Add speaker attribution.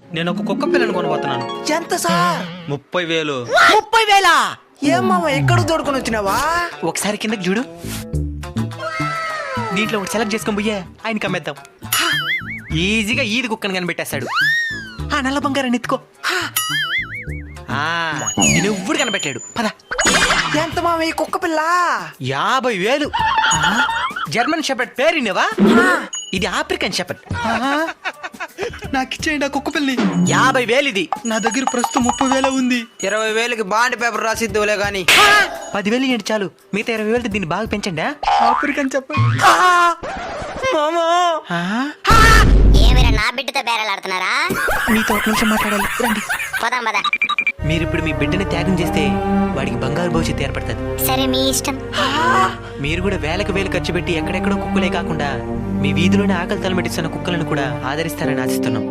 Speaker 1: నేను ఒక కుక్క పిల్లని కొనబోతున్నాను.
Speaker 2: ఎంత సార్?
Speaker 1: 30,000.
Speaker 2: 30,000? ఏం మామ ఎక్కడ దొడుకుని వచ్చినావా?
Speaker 1: ఒకసారి కిందకి చూడు. దీంట్లో ఒకటి సెలెక్ట్ చేసుకొని పోయా ఆయనకి అమ్మేద్దాం. ఈజీగా ఈది కుక్కని కనిపెట్టేస్తాడు. ఆ నల్ల బంగారాన్ని ఎత్తుకో. నేను ఎవ్వడు కనిపెట్టాడు. పద.
Speaker 2: ఎంత మామ ఈ కుక్క పిల్ల?
Speaker 1: 50,000. జర్మన్ షెపర్డ్ పేరునేవా? ఇది ఆఫ్రికన్ షెపర్డ్. నాకు ఇచ్చేయండి ఆ కుక్క పిల్లి. 50,000 ఇది. నా దగ్గర ప్రస్తుతం 30,000 ఉంది.
Speaker 2: 20,000కి బాండ్ పేపర్ రాసిద్దులే గాని.
Speaker 1: 10,000 ఇవ్వండి చాలు. మిగతా 20,000 దీన్ని బాగా పెంచండి. ఆఫ్రికన్ చెప్పండి.
Speaker 2: మామా
Speaker 3: ఏమైనా నా బిడ్డతో బేరలాడుతున్నారా?
Speaker 1: మీతో ఒక నిమిషం మాట్లాడాలి, రండి.
Speaker 3: పోదాం పద.
Speaker 1: మీరిప్పుడు మీ బిడ్డని త్యాగం చేస్తే వాడికి బంగారు భవిష్యత్తు ఏర్పడుతుంది.
Speaker 3: సరే మీ ఇష్టం.
Speaker 1: మీరు కూడా వేలకు వేలు ఖర్చు పెట్టి ఎక్కడెక్కడో కుక్కలే కాకుండా మీ వీధిలోనే ఆకలి తలమెట్టిస్తున్న కుక్కలను కూడా ఆదరిస్తారని ఆశిస్తున్నాం.